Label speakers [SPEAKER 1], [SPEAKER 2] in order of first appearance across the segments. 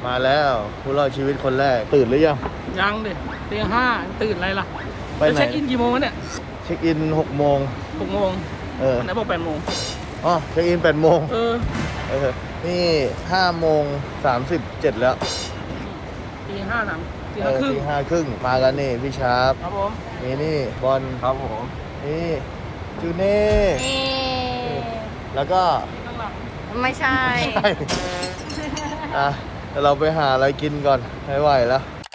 [SPEAKER 1] มาแล้วผู้รอดชีวิตคนแรกตื่นหรือยัง
[SPEAKER 2] ยังดิตี 5ตื่นอะไรล่ะ
[SPEAKER 1] ไปไหน
[SPEAKER 2] จะเช็คอินกี่โมงวะเนี่ย
[SPEAKER 1] เช็คอิน6 โมง
[SPEAKER 2] 6 โมง ไหนบอก8 โมง
[SPEAKER 1] อ๋อเช็คอิน8 โมง นี่5 โมง 37แล้ว
[SPEAKER 2] ตี 5นะตี 5 ครึ่ง
[SPEAKER 1] ตี 5 ครึ่งมากันนี่พี่ชาร์ป
[SPEAKER 2] ครับผม
[SPEAKER 1] นี่บอล
[SPEAKER 3] ครับผม
[SPEAKER 1] นี่จูเน่แล้วก็
[SPEAKER 2] ข้างหลัง
[SPEAKER 4] ไม่ใช่
[SPEAKER 1] อ่ะเดี๋ยวเราไปหาอะไรกินก่อนไม่ไหวแล้ว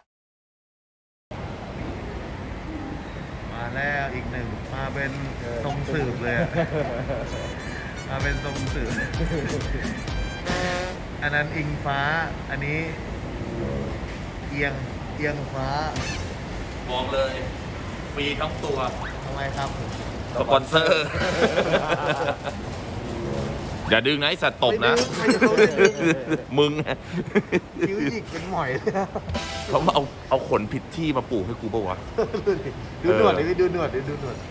[SPEAKER 1] มาแล้วอีกหนึ่งมาเป็นทรงสืบเลยอะมาเป็นทรงสืบอันนั้นอิงฟ้าอันนี้เอียงฟ้า
[SPEAKER 3] บอกเลยฟรีทั้งตัว
[SPEAKER 1] ทำไมครับ
[SPEAKER 3] สปอนเซอร์ อย่าดึงนะไอสัตว์ตบนะ มึง
[SPEAKER 1] คิ้วหยิกเป็นหมอยเลยนะ
[SPEAKER 3] เขามาเอาขนผิดที่มาปลูกให้กูปะวะ
[SPEAKER 1] ดูหนวดดิดูหนวดดิดูหนวด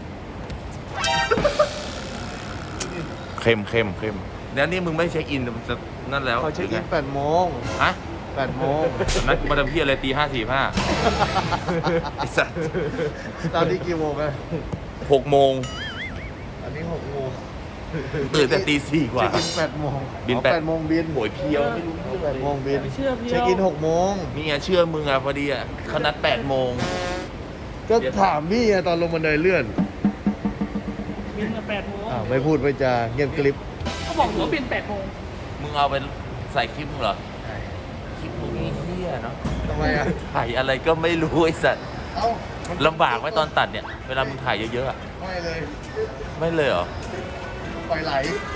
[SPEAKER 3] เข้มแล้วนี่มึงไม่เช็คอินมันจะนั่นแล้ว
[SPEAKER 1] เขาเช็คอิน8 โมง
[SPEAKER 3] ฮะ
[SPEAKER 1] 8 โมง
[SPEAKER 3] นัดมาทำพี่อะไรตี 5:45ไอสัตว์
[SPEAKER 1] ตอนนี้กี่โมงอะ
[SPEAKER 3] 6 โมง
[SPEAKER 1] อันนี้6 โมง
[SPEAKER 3] ตื่นแต่ตี 4 กว่า
[SPEAKER 1] เช็คอิน8 โมง
[SPEAKER 3] บิน
[SPEAKER 1] อ๋อ
[SPEAKER 3] แปด
[SPEAKER 1] 8 โมงบิน
[SPEAKER 3] โหยเพียวไม่รู้
[SPEAKER 1] 8 โมงบิน
[SPEAKER 2] ไม่เชื่อพี่
[SPEAKER 1] เช็คอิน6 โมง
[SPEAKER 3] นี่ไงเชื่อมึงอ่ะพอดีอ่ะเขานัด8 โมง
[SPEAKER 1] ก็ถามพี่อะตอนลงบันไดเลื่อน
[SPEAKER 2] บินมา8 โมง
[SPEAKER 1] อ้าวไม่พูดไม่จาเงียบกริบ
[SPEAKER 2] เขาบอกหัวบิน8 โมง
[SPEAKER 3] มึงเอาไปใส่คลิปมึงเหรอ คลิปมึงนี่เฮี้ยเนาะ
[SPEAKER 1] ทำไมอะ
[SPEAKER 3] ถ่ายอะไรก็ไม่รู้ไอ้สัตว์
[SPEAKER 1] เอ้า
[SPEAKER 3] ลำบากไหมตอนตัดเนี่ย เวลามึงถ่ายเยอะๆอะ
[SPEAKER 1] ไม่เลย
[SPEAKER 3] ไม่เลยเหรอ
[SPEAKER 1] ปล่อยไหล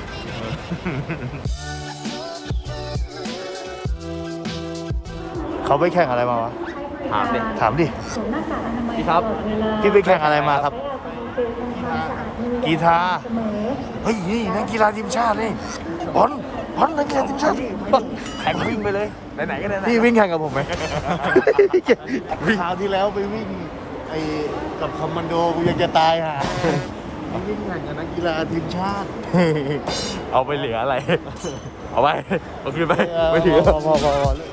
[SPEAKER 1] เขาไปแข่งอะไรมาวะ
[SPEAKER 3] ถามดิ
[SPEAKER 1] ถามดิ
[SPEAKER 3] พี่ครับ
[SPEAKER 1] พี่ไปแข่งอะไรมาครับ กีฬาเฮ้ยนี่นักกีฬาทีมชาตินี่บอลนักกีฬาทีมชาติบอล
[SPEAKER 3] แข่งวิ่งไปเลย ไหนๆก็ได้
[SPEAKER 1] พี่วิ่งแข่งกับผมไหมคราวที่แล้วไปวิ่งไอ้กับคอมมานโดกูยังจะตายห่าวิ่งแข่งกับนักกีฬาทีมชาติ
[SPEAKER 3] เอาไปเหลืออะไร เอาไปเอาคืนไปไม่ถือ
[SPEAKER 1] พอ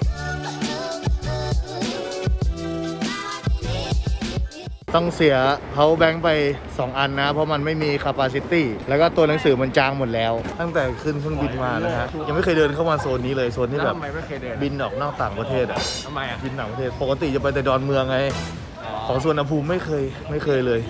[SPEAKER 1] ต้องเสียเขาแบงค์ไป 2 อันนะ เพราะมันไม่มี capacity แล้วก็ตัวหนังสือมันจางหมดแล้ว ตั้งแต่ขึ้นเครื่องบินมานะฮะยังไม่เคยเดินเข้ามาโซนนี้เลย โซนที่แบบ
[SPEAKER 2] ทำไมไม่เคยเดิน
[SPEAKER 1] บินออกนอกต่างประเทศอ่ะ
[SPEAKER 2] ทำไมอ่ะ
[SPEAKER 1] บินต่างประเทศ ปกติจะไปแต่ดอนเมืองไง ของสวนภูมิไม่เคยเลย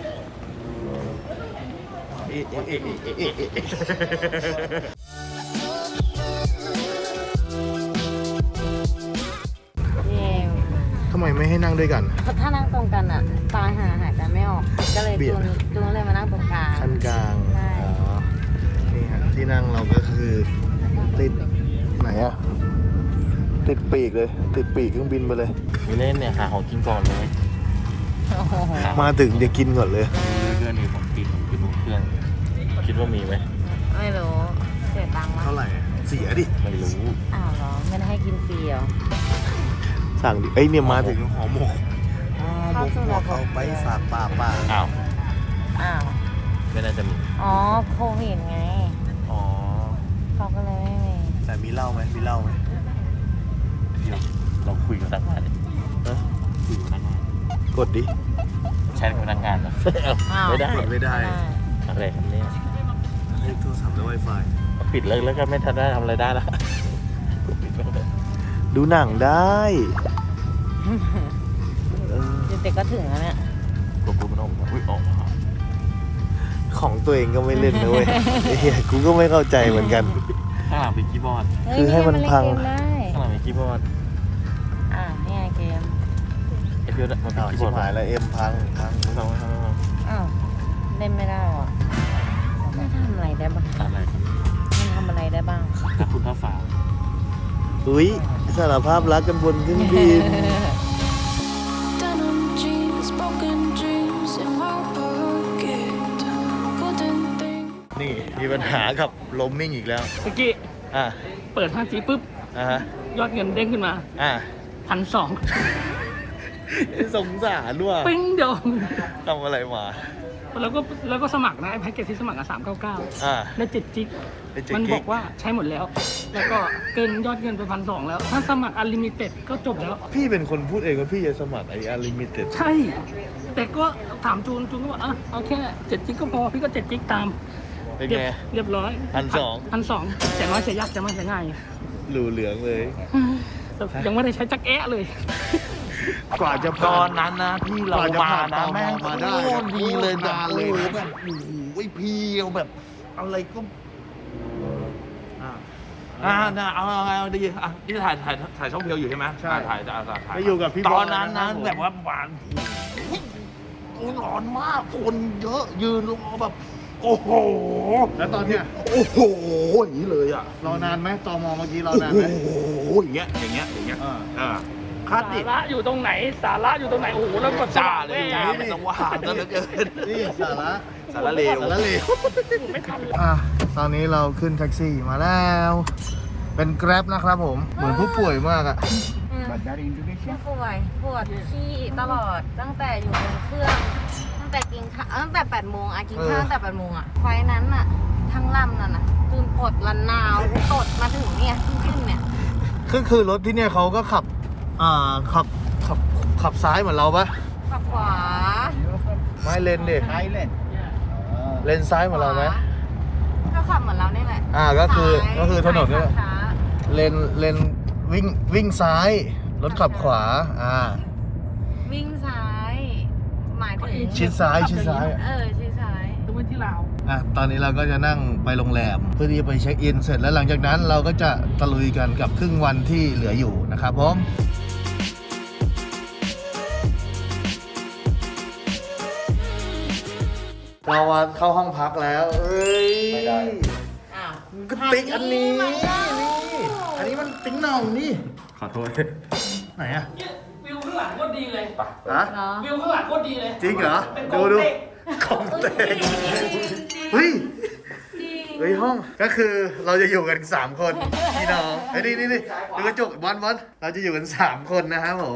[SPEAKER 4] เย่
[SPEAKER 1] ทำไมไม่ให้นั่งด้วยกัน
[SPEAKER 4] ถ้านั่งตรงกันอ่ะตายหายใจไม่ออก ก็เลย
[SPEAKER 1] เบียด
[SPEAKER 4] จูนเลยมานั่งตรงกลาง
[SPEAKER 1] ขั้นกลาง
[SPEAKER 4] ใช่
[SPEAKER 1] อ๋อ นี่ฮะที่นั่งเราก็คือติดไหนอะติดปีกเลย ติดปีกเครื่องบินไปเลย
[SPEAKER 3] ไม่เล่นเนี่ยหาของกินก่อนเลย
[SPEAKER 4] โอ้โห
[SPEAKER 1] มาถึงเดี๋ยวกินก่อนเลย
[SPEAKER 3] เพื่อนมีของกินกินบนเครื่องคิดว่ามีไหม
[SPEAKER 4] ไม่รู้เสียตังค์มั้ย
[SPEAKER 1] เท่าไหร่อะเสียดิ
[SPEAKER 3] ไม่รู้
[SPEAKER 4] อ้าวเหรอไม่ได้ให้กินฟรีเหรอ
[SPEAKER 1] สั่งดิ เอ้ยเนี่ยมาถึงหอหมก
[SPEAKER 4] เข้าสู่ระบบ
[SPEAKER 1] เอาไปฝากป้า
[SPEAKER 3] อ้าว
[SPEAKER 4] อ้าว
[SPEAKER 3] ไม่น่าจะมี
[SPEAKER 4] อ๋อโควิดไง
[SPEAKER 1] อ๋อ
[SPEAKER 4] เขาก็เลยไม่มี
[SPEAKER 1] แต่มีเหล้าไหมมีเหล้าไหม
[SPEAKER 3] เดี๋ยวเราคุยกับพนักงานดิ
[SPEAKER 1] เอ้ย
[SPEAKER 3] คุยกับพนักงาน
[SPEAKER 1] กดดิ
[SPEAKER 3] แชทกับพนักงานเหรอ
[SPEAKER 4] อ้าว
[SPEAKER 3] ไม่ได้
[SPEAKER 1] กดไม่ได้
[SPEAKER 3] อะไรครับเนี่ย
[SPEAKER 1] เรียกโทรศัพท์ด้วย Wi-Fi
[SPEAKER 3] ปิดแล้วก็ไม่ทันได้ทำอะไรได้ละปิดไปเลย
[SPEAKER 1] ดูหนังได้เออ
[SPEAKER 4] เด็กๆก็ถึงแล้วเนี่ย
[SPEAKER 3] กดปุ๊บมันออกมาอุ้ยออกมา
[SPEAKER 1] ของตัวเองก็ไม่เล่นนะเว้ยไอ้เหี้ยกูก็ไม่เข้าใจเหมือนกัน
[SPEAKER 3] ข้างหลังเป็นคีย์บอร์ด
[SPEAKER 4] เฮ้ย
[SPEAKER 1] คือให้มันพัง
[SPEAKER 4] เล่นเกมได้
[SPEAKER 3] ข้างหลังเป็นคีย์บอร์ด
[SPEAKER 4] นี่ไงเกม
[SPEAKER 3] ไอ้เพื่อนมันเป็น
[SPEAKER 1] อ้าว
[SPEAKER 3] คีย์
[SPEAKER 1] ชิ
[SPEAKER 3] บอบ ร์ด
[SPEAKER 1] หายแล้วเอ็มพัง
[SPEAKER 3] ไม่ต้อง
[SPEAKER 4] อ้าวเล่นไม่ได้หรอไม่ทำอะไรได้บ้าง
[SPEAKER 3] อะไรครับ
[SPEAKER 4] มันทำอะไรได้บ้าง
[SPEAKER 3] ถ้าคุณถ้าฝา
[SPEAKER 1] อุ้ยสารภาพรักกันบนเครื่องบิน
[SPEAKER 5] Denim jeans, broken dreams in my pocket. Couldn't think.
[SPEAKER 1] นี่มีปัญหากับลมมิ่งอีกแล้ว
[SPEAKER 2] เมื่อกี้
[SPEAKER 1] อ่ะ
[SPEAKER 2] เปิด 5G ปุ๊บ
[SPEAKER 1] ฮะ
[SPEAKER 2] ยอดเงินเด้งขึ้นมา
[SPEAKER 1] อ่ะ
[SPEAKER 2] 1,200
[SPEAKER 1] สงสารด้วย
[SPEAKER 2] ปิ้งเดียว
[SPEAKER 1] ทำอะไรมา
[SPEAKER 2] แล้วก็สมัครนะไอ้แพ็กเกจที่สมัครอ่ะ399
[SPEAKER 1] อ่า
[SPEAKER 2] ได้7 จิก
[SPEAKER 1] ได้7
[SPEAKER 2] มัน
[SPEAKER 1] กิก
[SPEAKER 2] บอกว่าใช้หมดแล้ว แล้วก็เกินยอดเงินไป1,200แล้ว ถ้าสมัคร Unlimited ก็จบแล้ว
[SPEAKER 1] พี่เป็นคนพูดเองว่าพี่จะสมัครไอ้ Unlimited
[SPEAKER 2] ใช่ แต่ก็ถามจูนก็บอกเอาแค่7 จิกก็พอ พี่ก็7 จิกตาม
[SPEAKER 1] เป็นไง
[SPEAKER 2] เรียบร้อย
[SPEAKER 1] 1,200
[SPEAKER 2] 1,200แต่น้อยเสียยากจะไม่เสียง่าย
[SPEAKER 1] หลูเหลืองเลย
[SPEAKER 2] แต่ยังไม่ได้ใช้จักแอะเลย
[SPEAKER 1] กว่าจะ
[SPEAKER 3] ต
[SPEAKER 1] ผ่า
[SPEAKER 3] อน นนั้นนะที่เรา
[SPEAKER 1] กว่าจะ
[SPEAKER 3] มา
[SPEAKER 1] ผ่าน
[SPEAKER 3] นะ
[SPEAKER 1] ตม
[SPEAKER 3] แม่ง
[SPEAKER 1] มาได้
[SPEAKER 3] โคตรดีเลยแบบ
[SPEAKER 1] นานเลย
[SPEAKER 3] โอ้โห
[SPEAKER 1] นะ
[SPEAKER 3] แบบโอ้โหเพียวแบบอะไรก็เอาดีอ่ะนี่ถ่ายช่องเพียวอยู่ใช่ไหม
[SPEAKER 1] ใช่
[SPEAKER 3] ถ่าย
[SPEAKER 1] ไปอยู่กับพี่
[SPEAKER 3] ต
[SPEAKER 1] บ
[SPEAKER 3] อ
[SPEAKER 1] อน ย
[SPEAKER 3] นั้น
[SPEAKER 1] ครั
[SPEAKER 3] นะ
[SPEAKER 1] ผม
[SPEAKER 3] แบบว่าหวานโอ้โหร้อนมากคนเยอะยืนรอแบบ โอ้โห
[SPEAKER 1] แล้วตอนเนี้ย
[SPEAKER 3] โอ้โหอย่างนี้เลยอ่ะ
[SPEAKER 1] รอนานไหมตมเมื่อกี้รอ
[SPEAKER 3] โอ้
[SPEAKER 1] นาน
[SPEAKER 3] โห
[SPEAKER 1] ไหม
[SPEAKER 3] อย่างเงี้ย
[SPEAKER 1] อ่า
[SPEAKER 3] คาด
[SPEAKER 2] สา
[SPEAKER 3] ดิ
[SPEAKER 2] ระอยู่ตรงไหน สาระอยู่ตรงไหน โอ้โห แล้วกด
[SPEAKER 3] จ้าเลย
[SPEAKER 2] จ้า
[SPEAKER 3] จ้ามันสว่างซะเหลือเกิน
[SPEAKER 1] นี่สาระ
[SPEAKER 3] สารเลว
[SPEAKER 1] สาระเลว
[SPEAKER 2] ไม่ทันเลย
[SPEAKER 1] ตอนนี้เราขึ้นแท็กซี่มาแล้ว เป็น Grab นะครับผม เหมือนผู้ป่วยมากอะ
[SPEAKER 4] ไม่ป่วยปวดขี้ตลอดตั้งแต่อยู่บนเครื่องตั้งแต่กินข้าวตั้งแต่8 โมงกินข้าวตั้งแต่8 โมงไฟนั้นทั้งลำนั่นคืนปดลันนาวตดมาถึงเนี่ยขึ้นเนี่ย
[SPEAKER 1] คือรถที่เนี่ยเขาก็ขับขับซ้ายเหมือนเราปะ
[SPEAKER 4] ขับขวา
[SPEAKER 1] ไม่เลนดิเลนซ้ายเหมือนเราไหม
[SPEAKER 4] ก็ขับเหมือนเรานี่แหละ
[SPEAKER 1] ก็คือถนนนี่แหละ
[SPEAKER 4] ช้า
[SPEAKER 1] เลนวิ่งซ้าย รถขับขวา
[SPEAKER 4] วิ่งซ้าย หมายถึง
[SPEAKER 1] ชิดซ้าย
[SPEAKER 4] ชิดซ้าย
[SPEAKER 2] ดูไว้ที่ลาว
[SPEAKER 1] ตอนนี้เราก็จะนั่งไปโรงแรมเพื่อที่จะไปเช็คอินเสร็จแล้วหลังจากนั้นเราก็จะตะลุยกันกับครึ่งวันที่เหลืออยู่นะครับผมเราเข้าห้องพักแล้วเอ้ยไม่ได้
[SPEAKER 4] อ้าว
[SPEAKER 1] ก็ติ๊กอันนี้
[SPEAKER 4] มันเล่า
[SPEAKER 1] อันนี้มันติ๊งหน่องนี่
[SPEAKER 3] ขอโทษ
[SPEAKER 1] ไหนอะ
[SPEAKER 2] เนี่ยวิวข้างหลังโคตรดีเลย
[SPEAKER 1] ฮะ
[SPEAKER 4] เหรอ
[SPEAKER 2] วิวข้างหลังโคตรดีเลย
[SPEAKER 1] จริงเหรอ
[SPEAKER 2] เป็น
[SPEAKER 1] ดู
[SPEAKER 2] ของเต็ก
[SPEAKER 1] เฮ้ยเฮ้ยห้องก็คือเราจะอยู่กัน3 คนพี่น้องไอ้นี่ดูกระจกบอลเราจะอยู่กัน3 คนนะครับผม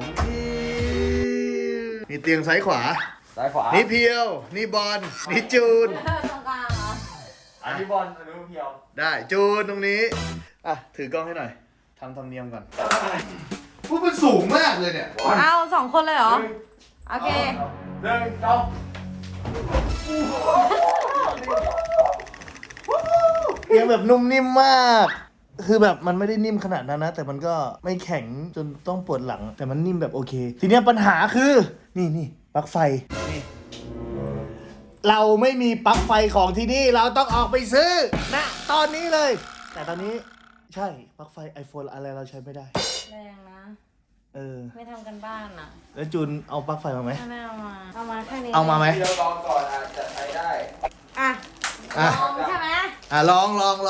[SPEAKER 1] มีเตียงซ้ายขวา
[SPEAKER 3] ซ้ายขวา
[SPEAKER 1] นี่เพียวนี่บอลนี่จูน
[SPEAKER 4] ตรงกลางเหรอ
[SPEAKER 3] อันนี้บอลอันนี้เพียว
[SPEAKER 1] ได้จูนตรงนี้ถือกล้องให้หน่อยทำเนียมก่อนพูดมันสูงมากเลยเนี่ย
[SPEAKER 4] เอา2 คนเลยเหรอ โอเค
[SPEAKER 3] 1
[SPEAKER 1] เตียงแบบนุ่มนิ่มมาก คือแบบมันไม่ได้นิ่มขนาดนั้นนะ แต่มันก็ไม่แข็งจนต้องปวดหลัง แต่มันนิ่มแบบโอเค ทีเนี้ยปัญหาคือ นี่ปลั๊กไฟนี่เราไม่มีปลั๊กไฟของที่นี่ เราต้องออกไปซื้อนะตอนนี้เลย แต่ตอนนี้ใช่ปลั๊กไฟ iPhone อะไรเราใช้ไม่ได้
[SPEAKER 4] แรงนะ ไม่ทำกันบ้านอ่ะ
[SPEAKER 1] แล้วจูนเอาปลั๊กไฟมาไหม
[SPEAKER 4] ไม่เอามา เอามาแค่นี้
[SPEAKER 1] เอามาไหม
[SPEAKER 3] เดี๋ยวลองก่อนอาจจะใช้ได้
[SPEAKER 4] อ่ะ
[SPEAKER 1] อ่ะ
[SPEAKER 4] ลองใช่ไหม
[SPEAKER 1] ลอง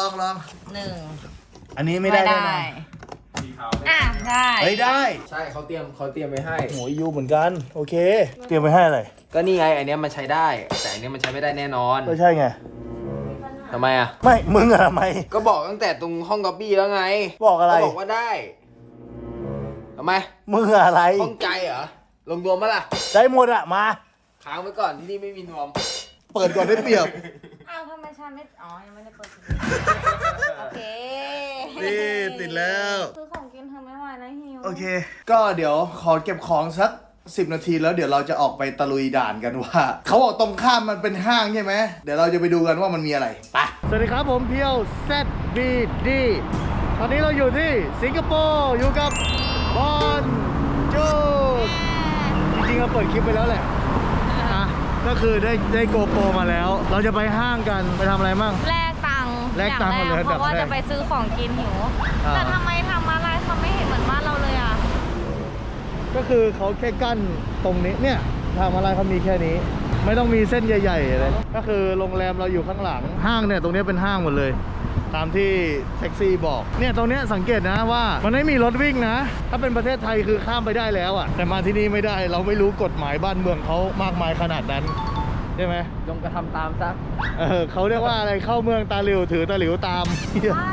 [SPEAKER 4] 1
[SPEAKER 1] อันนี้ไม่ได้แน่นอน
[SPEAKER 4] อ่ะ ได้
[SPEAKER 1] เฮ้ยได้
[SPEAKER 6] ใช่เขาเตรียมไว้ให้
[SPEAKER 1] โหยูเหมือนกัน โอเค เตรียมไว้ให้อะไร
[SPEAKER 6] ก็นี่ไงอันเนี้ยมันใช้ได้ แต่อันเนี้ยมันใช้ไม่ได้แน่นอน
[SPEAKER 1] ก็ใช่ไง
[SPEAKER 6] ทำไมอ่ะ
[SPEAKER 1] ไม่มึงอะทำไม
[SPEAKER 6] ก็บอกตั้งแต่ตรงห้องก๊อปปี้แล้วไง
[SPEAKER 1] บอกอะไร
[SPEAKER 6] ก็บอกว่าได้ทำไม
[SPEAKER 1] มึงอะไร
[SPEAKER 6] ข้องใจเหรอลงนวมมาล่ะ
[SPEAKER 1] ได้หมดอะมา
[SPEAKER 6] ค้างไว้ก่อนที่นี่ไม่มีนวม
[SPEAKER 1] เปิดก่อนได้เปรียบ
[SPEAKER 4] อ้าวทำไมฉันไม่ อ๋อ ยังไม่ได้เปิดโอเค
[SPEAKER 1] นี่ติดแล้ว
[SPEAKER 4] ซื้อของกินเธอไม่ไหวแล้วหิว
[SPEAKER 1] โอเค ก็เดี๋ยวขอเก็บของสัก 10 นาทีแล้วเดี๋ยวเราจะออกไปตะลุยด่านกันว่า เขาบอกตรงข้ามมันเป็นห้างใช่ไหม เดี๋ยวเราจะไปดูกันว่ามันมีอะไร ไป สวัสดีครับผมเพียว ZBD ตอนนี้เราอยู่ที่สิงคโปร์อยู่กับบอลจูดจริงๆเราเปิดคลิปไปแล้วแหละก็คือได้โกโปรมาแล้ว เราจะไปห้างกันไปทำอะไรมั่ง
[SPEAKER 4] แลกตังค์
[SPEAKER 1] แลกตังค์
[SPEAKER 4] อย่าง
[SPEAKER 1] หมดเลย
[SPEAKER 4] เพราะว่า
[SPEAKER 1] อันดับแรก
[SPEAKER 4] จะไปซื้อของกินหิว
[SPEAKER 1] อ่า
[SPEAKER 4] แต่ทำไมทำอะไรเขาไม่เห็นเหมือนบ้านเราเลยอ่ะ
[SPEAKER 1] ก็คือเขาแค่กั้นตรงนี้เนี่ยทำอะไรเขามีแค่นี้ ไม่ต้องมีเส้นใหญ่ๆเลยก็คือโรงแรมเราอยู่ข้างหลังห้างเนี่ยตรงนี้เป็นห้างหมดเลย ตามที่แท็กซี่บอกเนี่ยตรงนี้สังเกตนะว่ามันไม่มีรถวิ่งนะ ถ้าเป็นประเทศไทยคือข้ามไปได้แล้วอะแต่มาที่นี่ไม่ได้เราไม่รู้กฎหมายบ้านเมืองเขามากมายขนาดนั้นใช่ไหม
[SPEAKER 6] จงกระทำตามซะ
[SPEAKER 1] เขาเรียกว่าอะไรเข้าเมืองตาหลิวถือตาหลิวตาม
[SPEAKER 4] ว่า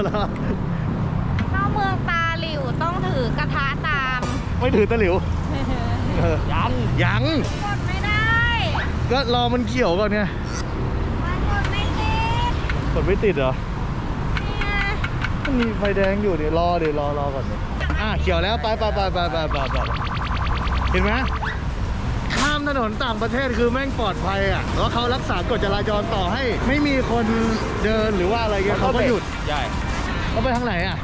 [SPEAKER 4] เข้าเมืองตาหลิวต้องถือกระทะตาม
[SPEAKER 1] ไม่ถือตาหลิวยัง
[SPEAKER 4] กดไม่ได้
[SPEAKER 1] ก็รอมันเขียวก่อนไง
[SPEAKER 4] มันกดไม่ติด
[SPEAKER 1] กดไม่ติดเหรอ
[SPEAKER 4] นี่ไง
[SPEAKER 1] มันมีไฟแดงอยู่เดี๋ยวรอก่อนดิเขียวแล้วไปเห็นไหมข้ามถนนต่างประเทศคือแม่งปลอดภัยอ่ะแล้วเขารักษากฎจราจรต่อให้ไม่มีคนเดินหรือว่าอะไรเงี้ยเขาก็หยุด
[SPEAKER 6] ใช่
[SPEAKER 1] เขาไปทางไหนอ่ะ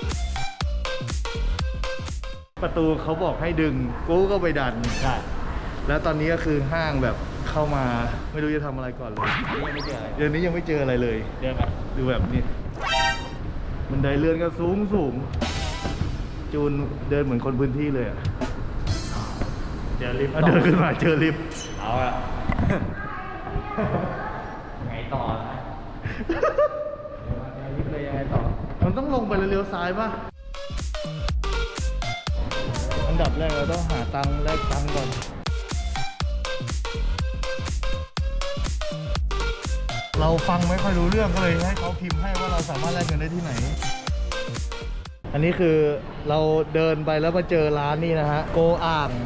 [SPEAKER 1] ประตูเขาบอกให้ดึงกูก็ไปดันใช่แล้วตอนนี้ก็คือห้างแบบเข้ามาไม่รู้จะทำอะไรก่อนเลยเดือนนี้ยังไม่เจออะไรเลยเดินแบบดูแบบนี้บันไดเลื่อนก็สูงจูนเดินเหมือนคนพื้นที่เลยอ่ะเจอลิฟต์เดินขึ้นมาเจอลิฟต์เอาอะไงต่อนะลิฟต์เลยยังไงต่อมันต้องลงไปแล้วเลี้ยวซ้ายป่ะอันดับแรกเราต้องหาตังค์แลกตังค์ก่อนเราฟังไม่ค่อยรู้เรื่องก็เลยให้เขาพิมพ์ให้ว่าเราสามารถแลกเงินได้ที่ไหนอันนี้คือเราเดินไปแล้วมาเจอร้านนี่นะฮะโกอ่าง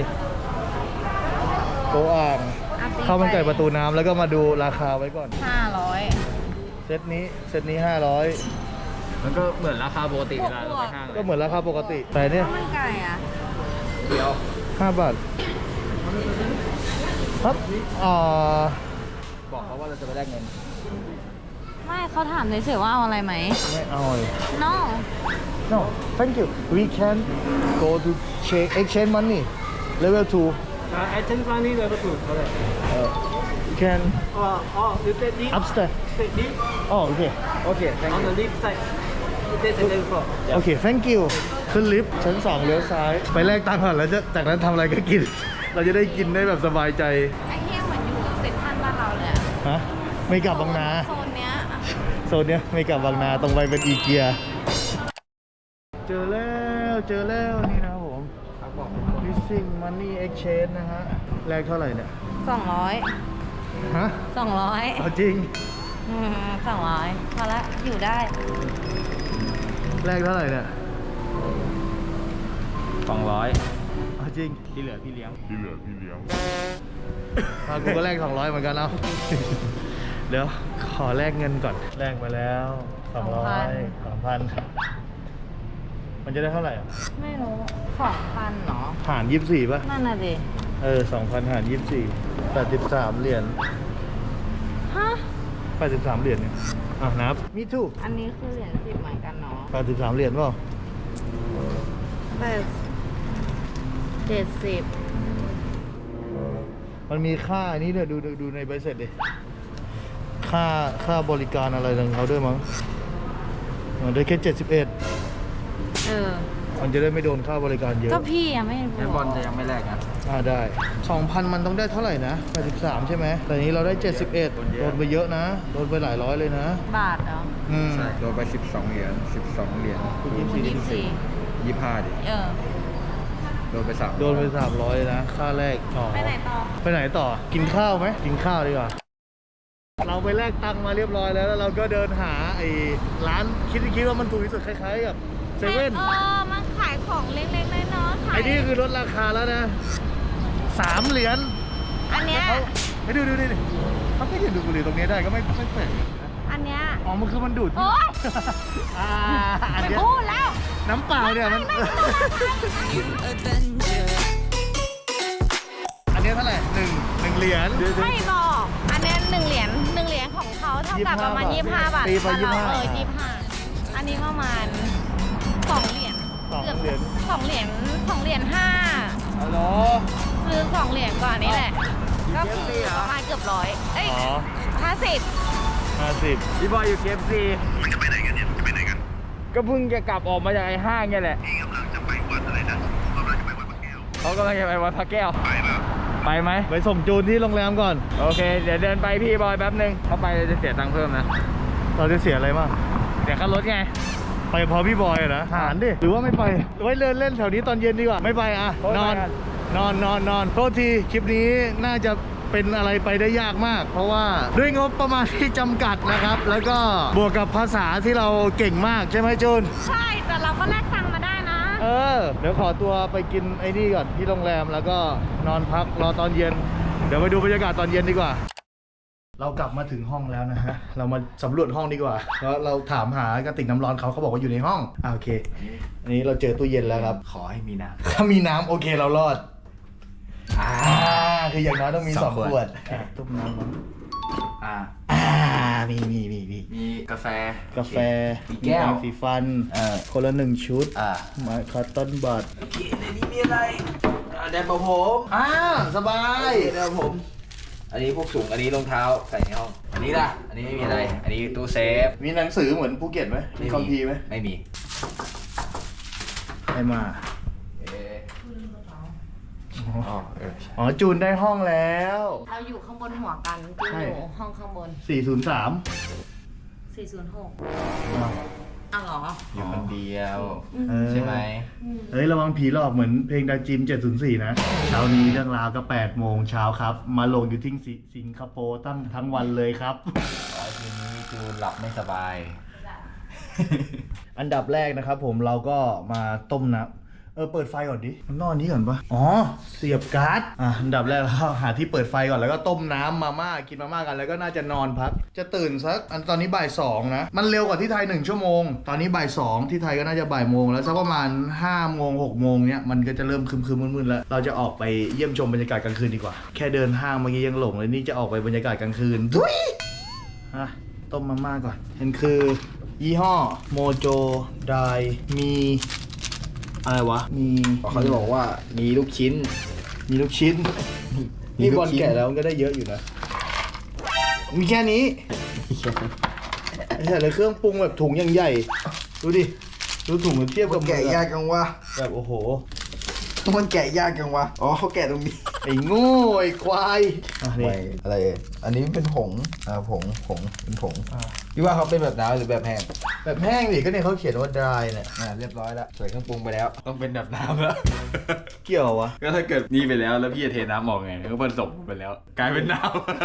[SPEAKER 1] โกอ่างข้าวมันไก่ประตูน้ำแล้วก็มาดูราคาไว้ก่อน
[SPEAKER 4] 500
[SPEAKER 1] เซตนี้500
[SPEAKER 6] มันก็เหมือนราคาปกติเวลาเราไปห้าง
[SPEAKER 1] ก็เหมือนราคาปกติแต่เนี่ย
[SPEAKER 4] ข้าวมันไก่อ่ะ
[SPEAKER 6] เดียว
[SPEAKER 1] 5 บาทครับ
[SPEAKER 6] บอกเขาว่าเราจะไปแลกเงิน
[SPEAKER 4] ไม่เขาถามเฉยๆว่าเอาอะไรไหม
[SPEAKER 1] ไม่เอาเลย
[SPEAKER 4] no
[SPEAKER 1] no thank you we can go to exchange money level 2
[SPEAKER 2] exchange money level 2 เท่าไหร่
[SPEAKER 1] can
[SPEAKER 2] you take this
[SPEAKER 1] upstairs
[SPEAKER 2] take this
[SPEAKER 1] oh okay
[SPEAKER 6] Okay thank
[SPEAKER 2] on
[SPEAKER 6] you
[SPEAKER 2] the left side you take the level 4
[SPEAKER 1] โอเค thank you ขึ้นลิฟต์ชั้น 2เลี้ยวซ้ายไปแลกตังค์ก่อนแล้วจากนั้นทำอะไรก็กิน เราจะได้กินได้แบบสบายใจ
[SPEAKER 4] ไอ้เหี้ยเหมือนอยู่เซ็นทรัลบ้านเราเลยอะ
[SPEAKER 1] ฮะไม่กลับบางนา
[SPEAKER 4] โซนเนี้ย
[SPEAKER 1] โซนเนี้ยไม่กลับบางนาตรงไปเป็นอีเกียเจอแล้วนี่นะครับผม missing money exchange นะฮะแลกเท่าไหร่เนี่ย
[SPEAKER 4] 200
[SPEAKER 1] ฮะ
[SPEAKER 4] 200
[SPEAKER 1] เอาจริง
[SPEAKER 4] 200พอละอยู่ได้
[SPEAKER 1] แลกเท่าไหร่เนี่ย
[SPEAKER 6] 200
[SPEAKER 1] เอาจริง
[SPEAKER 6] ที่เหลือพี่เลี้ยง
[SPEAKER 1] กูก็แลก200เหมือนกันเอา เดี๋ยวขอแลกเงินก่อนแลกมาแล้ว200 2,000มันจะได้เท่าไหร่อ่ะ
[SPEAKER 4] ไม่รู้ 2,000เหรอ
[SPEAKER 1] หาร24ป่ะ
[SPEAKER 4] นั่นน่ะดิ
[SPEAKER 1] 2,000 หาร24 83 เหรียญ
[SPEAKER 4] ฮะ
[SPEAKER 1] 83 เหรียญเนี่ยนับมีทูก
[SPEAKER 4] อันนี้คือเหรียญ10เหมือนกันเนาะ
[SPEAKER 1] 83 เหรียญเปล่า
[SPEAKER 4] 70
[SPEAKER 1] มันมีค่าอันนี้เนี่ยดูในใบเสร็จดิค่าบริการอะไรของเขาด้วยมั้งได้แค่71 มันจะได้ไม่โดนค่าบริการเยอะ
[SPEAKER 4] ก็พี่อะไม่รู้
[SPEAKER 6] แล้วบอลจะยังไม่แลกนะ
[SPEAKER 1] ได้ 2,000 มันต้องได้เท่าไหร่นะ83ใช่ไหมแต่นี้เราได้71โดนไปเยอะนะโดนไปหลายร้อยเลยนะ
[SPEAKER 4] บาทเหรอ
[SPEAKER 6] ใช่โดนไป12 เหรียญ25 ดิ โดนไป3
[SPEAKER 1] โดนไป300เลยนะค่าแรก
[SPEAKER 4] ไปไหนต่อ
[SPEAKER 1] ไปไหนต่อกินข้าวไหมกินข้าวดีกว่าเราไปแลกตังค์มาเรียบร้อยแล้วเราก็เดินหาไอ้ร้านคิดว่ามันถูกที่สุดคล้ายๆกับเซเว่น
[SPEAKER 4] มันขายของเล็กๆน้อยๆขาย
[SPEAKER 1] ไอ้นี่คือลดราคาแล้วนะ3 เหรียญ
[SPEAKER 4] อันเนี้ย
[SPEAKER 1] เขาให้ดูดิเขาก็ยืนดูบุหรี่ตรงนี้ได้ก็ไม่แปลก
[SPEAKER 4] อันเนี้ย
[SPEAKER 1] อ๋อมันคือมันดูด
[SPEAKER 4] โอ๊ย
[SPEAKER 1] อัน
[SPEAKER 4] ไม่
[SPEAKER 1] เนี้ย
[SPEAKER 4] พูดแล้ว
[SPEAKER 1] น้ำเปล่าเนี่ยมัน อันเนี้ยเท่าไหร่1 เหรียญ
[SPEAKER 4] ไม่บอก อันเนี้ย1 เหรียญของเขาเท่ากับประมาณ25 บาท
[SPEAKER 1] ตีไป
[SPEAKER 4] บ้านเรา
[SPEAKER 1] 25
[SPEAKER 4] 25อันนี้ประมาณ2 เหรียญ
[SPEAKER 1] 2 เหรียญ
[SPEAKER 4] 2 เหรียญ2 เหรียญ5
[SPEAKER 1] ฮัลโหล
[SPEAKER 4] คือ2 เหรียญก่อนนี่แหละ ก็คือประมาณเกือบ100 เอ้ย
[SPEAKER 1] อ๋อ
[SPEAKER 4] 50
[SPEAKER 1] 50
[SPEAKER 6] พี่บอยอยู่เคฟซีมันจะไปไหนกันเนี่ยจะไปไหนกัน ก็เพิ่งจะกลับออกมาจากไอ้ห้างเนี่ยแหละเขากำลังจะไปวัดพระแก้ว ไปไหม
[SPEAKER 1] ไปส่งจูนที่โรงแรมก่อน
[SPEAKER 6] โอเค เดี๋ยวเดินไปพี่บอยแป๊บนึงเข้าไปจะเสียตังค์เพิ่มนะ
[SPEAKER 1] เราจะเสียอะไรบ้าง
[SPEAKER 6] เดี๋ยวค่ารถไง
[SPEAKER 1] ไปพอพี่บอยอะนะหารดิ หรือว่าไม่ไป ไว้เดินเล่นแถวนี้ตอนเย็นดีกว่า ไม่ไปอ่ะ นอนโทษทีคลิปนี้น่าจะเป็นอะไรไปได้ยากมาก เพราะว่าด้วยงบประมาณที่จำกัดนะครับ แล้วก็บวกกับภาษาที่เราเก่งมากใช่ไหมจูน
[SPEAKER 4] ใช่ แต่เราก็แลกตังค์มาได้นะ
[SPEAKER 1] เดี๋ยวขอตัวไปกินไอ้นี่ก่อนที่โรงแรมแล้วก็นอนพักรอตอนเย็นเดี๋ยวไปดูบรรยากาศตอนเย็นดีกว่า เรากลับมาถึงห้องแล้วนะฮะ เรามาสำรวจห้องดีกว่าแล้วเราถามหากระติกน้ำร้อนเขาบอกว่าอยู่ในห้องโอเค อันนี้เราเจอตู้เย็นแล้วครับ
[SPEAKER 6] ขอให้มีน้
[SPEAKER 1] ถ้ามีน้ำโอเคเรารอดคืออย่างน้อยต้องมี
[SPEAKER 6] สอง
[SPEAKER 1] 2 ข
[SPEAKER 6] ข
[SPEAKER 1] ว
[SPEAKER 6] ว
[SPEAKER 1] ด
[SPEAKER 6] ด
[SPEAKER 1] ต้มน้ำร้อน
[SPEAKER 6] ำ
[SPEAKER 1] มี
[SPEAKER 6] มีกาแฟ
[SPEAKER 1] กาแฟ
[SPEAKER 6] มีแก้ว
[SPEAKER 1] น้ำสีฟันคนละ1 ชุด มาคอตตอนบัด
[SPEAKER 6] โอเคในนี้มีอะไรแดนผม
[SPEAKER 1] สบาย
[SPEAKER 6] แดนผม อันนี้พวกถุงอันนี้รองเท้าใส่ในห้อง อันนี้ล่ะ อันนี้ไม่มีอะไร อันนี้ตู้เซฟ
[SPEAKER 1] มีหนังสือเหมือนภูเก็ตไหมมีคัมภีร์ไหม
[SPEAKER 6] ไม่มี
[SPEAKER 1] ใครมา
[SPEAKER 6] อ๋อ
[SPEAKER 1] อ๋อจูนได้ห้องแล้ว
[SPEAKER 4] เราอยู่ข้างบนหัวกันจูนอยู่ห้องข้างบน
[SPEAKER 1] 403
[SPEAKER 4] 406อ้าวเหรอ
[SPEAKER 6] อยู่คนเดียว
[SPEAKER 1] เออ
[SPEAKER 6] ใช่ไหม
[SPEAKER 1] เฮ้ยระวังผีหลอกเหมือนเพลงดาจิม704นะเช้านี้เรื่องราวก็8 โมงเช้าครับ มาลงอยู่ที่สิงคโปร์ตั้งทั้งวันเลยครับ
[SPEAKER 6] ทีนี้จูนหลับไม่สบาย
[SPEAKER 1] อันดับแรกนะครับผมเราก็มาต้มน้ำเปิดไฟก่อนดิมันนอนนี้ก่อนปะอ๋อเสียบการ์ดอันดับแรกเราหาที่เปิดไฟก่อนแล้วก็ต้มน้ำมาม่ากินมาม่ากันแล้วก็น่าจะนอนพักจะตื่นสักตอนนี้บ่าย 2นะมันเร็วกว่าที่ไทย1 ชั่วโมงตอนนี้บ่าย 2ที่ไทยก็น่าจะบ่ายโมงแล้วสักประมาณ5 โมง 6 โมงเนี้ยมันก็จะเริ่มครึมๆมืดๆแล้วเราจะออกไปเยี่ยมชมบรรยากาศกลางคืนดีกว่าแค่เดินห้างเมื่อกี้ยังหลงเลยนี่จะออกไปบรรยากาศกลางคืนทุยต้มมาม่าก่อนเห็นคือยี่ห้อโมโจไดมีอะไรวะ
[SPEAKER 6] เขาจะบอกว่ามีลูกชิ้น
[SPEAKER 1] มีลูกชิ้น
[SPEAKER 6] มี
[SPEAKER 1] นี่
[SPEAKER 6] ลูก
[SPEAKER 1] บอล
[SPEAKER 6] ชิ้น
[SPEAKER 1] แกะแล้วมันก็ได้เยอะอยู่นะ มีแค่นี้ไอ้เหี้ยเลยเครื่องปรุงแบบถุงยังใหญ่ ดูดิ ดูถุงเทียบกับ
[SPEAKER 3] แกะยากจังวะ
[SPEAKER 1] แบบโอ้โห
[SPEAKER 3] มันแกะยากจังวะอ๋อเขาแกะตรงนี้
[SPEAKER 1] ไอ้โง่ไอ้ควายนี่
[SPEAKER 3] ไม่อะไรอันนี้เป็นผงผงเป็นผงพี่ว่าเขาเป็นแบบน้ำหรือแบบแห้ง
[SPEAKER 1] แบบแห้งดิก็เนี่ยเขาเขียนว่า dry เนี่ย
[SPEAKER 3] เรียบร้อยแล้ว
[SPEAKER 6] ใส่เครื่องปรุงไปแล้ว ต้องเป็นแบบน้ำแล้ว
[SPEAKER 1] เกี่ยววะ
[SPEAKER 6] ก็ถ้าเกิดนี่ไปแล้วแล้วพี่จะเทน้ำออกไงก็ผสมไปแล้ว กลายเป็นน้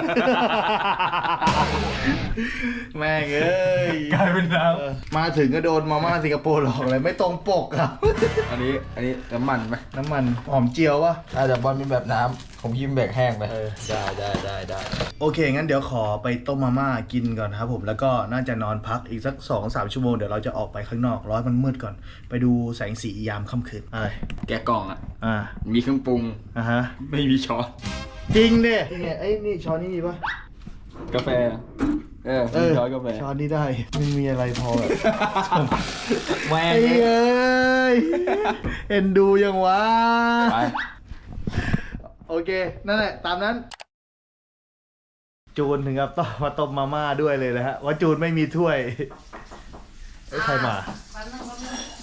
[SPEAKER 1] แม่งเอ้ย
[SPEAKER 6] ำ กลายเป็นน้
[SPEAKER 1] มาถึงก็โดนมาม่าสิงคโปร์หลอกเลยไม่ตรงปกครับ
[SPEAKER 6] ำอันนี้น้ำมันไหม
[SPEAKER 1] น้ำมันหอมเจียววะ
[SPEAKER 3] แต่บอลเป็นแบบน้ำผมยิ้มแบบแห้งไป
[SPEAKER 6] ได้
[SPEAKER 1] โอเค งั้นเดี๋ยวขอไปต้มมาม่ากินก่อนนะครับผม แล้วก็น่าจะนอนพักอีกสัก 2-3 ชั่วโมง เดี๋ยวเราจะออกไปข้างนอกร้อนมันมืดก่อน ไปดูแสงสียามค่ำคืนอะไร
[SPEAKER 6] แกะกล่องอ่ะ
[SPEAKER 1] อ่า
[SPEAKER 6] มีเครื่องปรุง
[SPEAKER 1] ฮะ
[SPEAKER 6] ไม่มีช้อน
[SPEAKER 1] จริงดินี่ไงไอ้นี่ช้อนนี่มีปะ
[SPEAKER 6] กาแฟ มีช้อนกาแฟ
[SPEAKER 1] ช้อนนี่ได้ไม่มีอะไรพอแบบ
[SPEAKER 6] แม่
[SPEAKER 1] ไอ้เอ้ยเอ็นดูยังวะ
[SPEAKER 6] ไป
[SPEAKER 1] โอเค นั่นแหละ ตามนั้น จูนถึงกับต้องมาต้มมาม่าด้วยเลยนะฮะ ว่าจูนไม่มีถ้วยเอ้ยใครมา
[SPEAKER 4] แป๊บนึง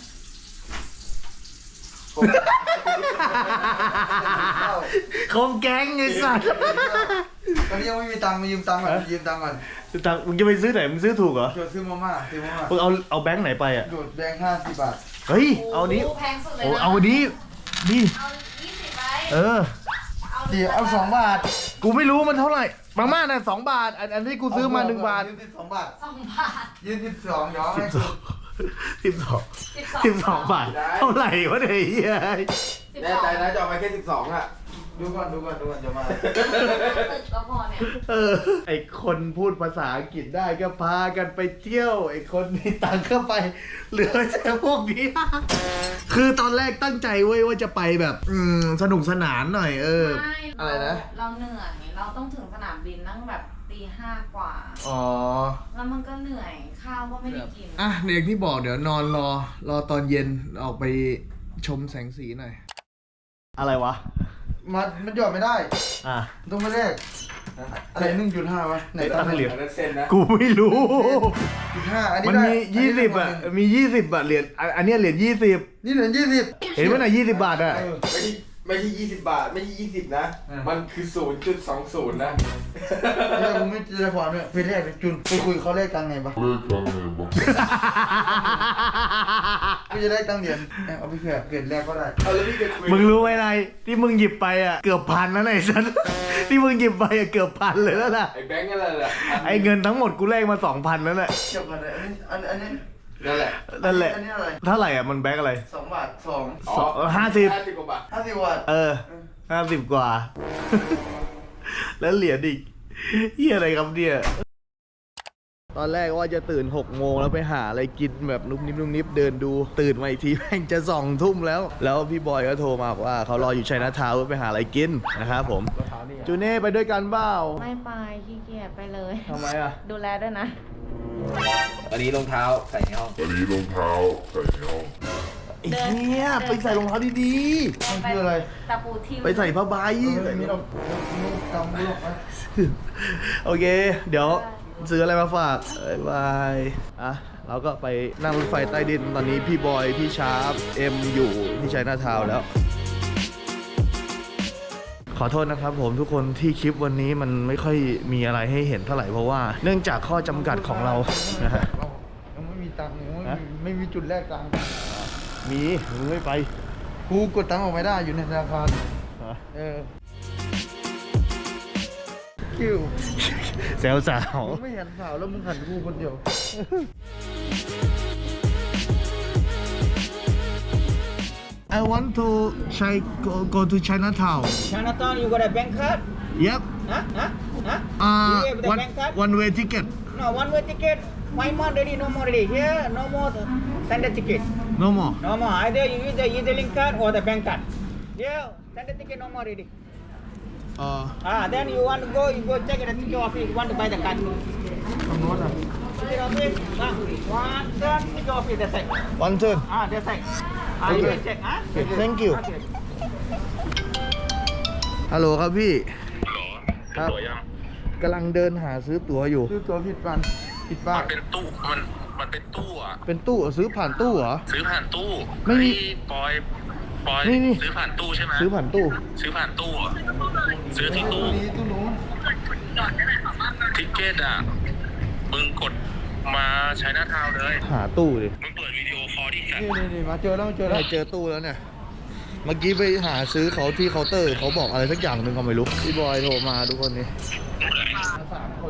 [SPEAKER 1] คมแก๊งไอ้สัส
[SPEAKER 3] ตอนนี้ยังไม่มีตังค์มายืมตังค์ก่อนยืมตังค์ก่อน
[SPEAKER 1] ตังค์มึงจะไปซื้อไหนมึงซื้อถูกเหรอ
[SPEAKER 3] โดดซื้อมาม่า
[SPEAKER 1] มึงเอาแบงค์ไหนไปอ่ะ
[SPEAKER 3] โดดแบงค์50 บาท
[SPEAKER 1] เฮ้ย เอานี้
[SPEAKER 4] โแพงสุดเลย
[SPEAKER 1] โอ้
[SPEAKER 4] นะ
[SPEAKER 1] เอาอันนี้นี่
[SPEAKER 4] เอา20ไป
[SPEAKER 1] เออ
[SPEAKER 3] เดี๋ยวเอา2 บาท
[SPEAKER 1] กูไม่รู้มันเท่าไหร่มาม่าน่ะ2 บาท อันที่กูซื้อมา1 บาท
[SPEAKER 3] ยืม12 บาท
[SPEAKER 4] 2 บาท
[SPEAKER 3] ยืม12ย้อนให้คุณ
[SPEAKER 1] 12 บาท เท่าไหร่วะเนี่ยไอ้เหี้ย
[SPEAKER 3] แน่ใจนะจะเอาไปแค่12อ่ะ ดูก่อนจะมา
[SPEAKER 4] ตึกก็พอเนี่ย
[SPEAKER 1] ไอคนพูดภาษาอังกฤษได้ก็พากันไปเที่ยว ไอคนมีตังค์เข้าไป เหลือแต่พวกนี้ คือตอนแรกตั้งใจเว้ยว่าจะไปแบบ สนุกสนานหน่อย
[SPEAKER 4] ไม่
[SPEAKER 1] อะไรนะ
[SPEAKER 4] เราเหนื่อย เราต้องถึงสนามบินตั้งแบบตี 5 กว่า
[SPEAKER 1] อ๋อ
[SPEAKER 4] แล้วมันก็เหนื่อย ข้าวก็ไม่ได้กิน
[SPEAKER 1] อ่ะเด็กที่บอกเดี๋ยวนอนรอตอนเย็นออกไปชมแสงสีหน่อย อะไรวะ
[SPEAKER 3] มันหยอดไม่ได้
[SPEAKER 1] อ่ะ
[SPEAKER 3] ต้องไปแรกอะไร1.5วะไหน
[SPEAKER 1] ตั้งเหรียญ
[SPEAKER 6] อันนั้นเส้นนะ
[SPEAKER 1] กูไม่รู้
[SPEAKER 3] 1.5อันนี้
[SPEAKER 1] มัน
[SPEAKER 3] ได้
[SPEAKER 1] มี20อ่ะ มี20อ่ะเหรียญอันเนี้ยเหรียญ20
[SPEAKER 3] นี่เหรียญ20
[SPEAKER 1] เห็นไหมน่ะ20 บาทอ่ะ
[SPEAKER 6] ไม่ใช่20 บาท ไม่ใช่20 นะ มันคือ 0.20 นะ
[SPEAKER 3] เนี่ยผมไม่เจอความเนี่ยไปแรกเลยจุนไปคุยเขาแรกตังค์ไงปะไม่จะได้ตังค์เหรียญเอาไปเผื่อเกิดแรกก็ได้
[SPEAKER 6] เอาแล้วพี่จะคุย
[SPEAKER 1] มึงรู้ไหมนายที่มึงหยิบไปอ่ะเกือบ1,000นะไอ้สัสที่มึงหยิบไปอ่ะเกือบ1,000เลยแล้วนะ
[SPEAKER 6] ไอ้แบงค์อะไรล่ะ
[SPEAKER 1] ไอ้เงินทั้งหมดกูแลกมา 2,000แล้วแหละ
[SPEAKER 3] เกี่ยวกันเลยอันนี้
[SPEAKER 6] นั่นแหละ
[SPEAKER 1] นั่นแหละ
[SPEAKER 3] อันนี้อะไร
[SPEAKER 1] เท่าไหร่อ่ะมันแบงค์อะไร
[SPEAKER 3] 2 บาท
[SPEAKER 1] 50
[SPEAKER 6] 50 กว่าบาท
[SPEAKER 3] 50 บาท
[SPEAKER 1] 50 บาท 50 กว่าแล้วเหรียญอีกเฮียอะไรครับเนี่ยตอนแรกว่าจะตื่น6 โมงแล้วไปหาอะไรกินแบบนุบนิบนุบนิบเดินดูตื่นมาอีกทีแม่งจะ2 ทุ่มแล้วพี่บอยก็โทรมาบอกว่าเขารออยู่ชัยนาทาวน์ไปหาอะไรกินนะครับผมจูเน่ไปด้วยกันเปล่า
[SPEAKER 4] ไม่ไปขี้เกียจไปเลย
[SPEAKER 1] ทำไมอ่ะ
[SPEAKER 4] ดูแลด้วยนะ
[SPEAKER 6] อันนี้รองเท้าใส่ในห้อง
[SPEAKER 1] ไอ้เนี้ยไปใส่รองเท้าดีๆมันคืออะไร
[SPEAKER 4] ตะปูทิ่ม
[SPEAKER 1] ไปใส่ผ้าใบโอเค เดี๋ยวซื้ออะไรมาฝากบ๊ายบายอ่ะเราก็ไปนั่งรถไฟใต้ดินตอนนี้พี่บอยพี่ชาร์ปเอ็มอยู่ที่ชัยนาทาวน์แล้ว ขอโทษนะครับผมทุกคนที่คลิปวันนี้มันไม่ค่อยมีอะไรให้เห็นเท่าไหร่เพราะว่าเนื่องจากข้อจำกัดของเรานะฮะ
[SPEAKER 3] ยังไม่มีตังค์ยังไม่มีจุดแลกตังค์
[SPEAKER 1] มีมึงไม่ไป
[SPEAKER 3] กูกดตังค์ออกไม่ได้อยู่ในธนาคารคิว
[SPEAKER 1] แซวสาว
[SPEAKER 3] มึงไม่เห็นสาวแล้วมึงหันกูคนเดียว
[SPEAKER 1] I want to go to Chinatown.
[SPEAKER 7] Chinatown, you got a bank card?
[SPEAKER 1] Yep.
[SPEAKER 7] Huh? You have the bank card?
[SPEAKER 1] One way ticket.
[SPEAKER 7] No, one way ticket. 5 months already, no more already. Here, no more standard ticket.
[SPEAKER 1] No more.
[SPEAKER 7] No more. Either you use the e-link card or the bank card. Yeah, standard ticket no more already. Then you want to go, you go check at the ticket office. You want to buy the card.
[SPEAKER 3] ตรงโน้นอ่ะ
[SPEAKER 7] Ticket office. One turn, ticket office. That's it.
[SPEAKER 1] One turn.
[SPEAKER 7] That's it. You can check.
[SPEAKER 1] Thank you.
[SPEAKER 7] Okay.
[SPEAKER 1] ฮัลโหลครับพี่ครับกำลังเดินหาซื้อตั๋วอยู่
[SPEAKER 3] ซื้อตัวผิดปันผิดป้า
[SPEAKER 8] มันเป็นตู้มันเป็นตู้อะ
[SPEAKER 1] เป็นตู้เหรอซื้อผ่านตู้เหรอ
[SPEAKER 8] ซื้อผ่านตู้
[SPEAKER 1] ไม่มี
[SPEAKER 8] เฮ้ยปอย
[SPEAKER 1] นี่
[SPEAKER 8] ซื้อผ่านตู้ใช่ไหม
[SPEAKER 1] ซื้อผ่านตู้
[SPEAKER 8] ซื้อผ่านตู้อะซื้อที่ตู้
[SPEAKER 3] นี้ตู้นู้น
[SPEAKER 8] ทิกเก็ตอะมึงกดมาใช้หน้าทาวน์เลย
[SPEAKER 1] หาตู้ดิ
[SPEAKER 8] มึงเปิดวิดีโอคอลดิ
[SPEAKER 3] นี่มาเจอแล้วเจอ
[SPEAKER 1] ได้
[SPEAKER 3] แล้ว
[SPEAKER 1] เจอตู้แล้วเนี่ย เมื่อกี้ไปหาซื้อเขาที่เคาน์เตอร์เขาบอกอะไรสักอย่างหนึ่งก็ไม่รู้พี่บอยโทรมาทุกคนนี่
[SPEAKER 3] 3 คน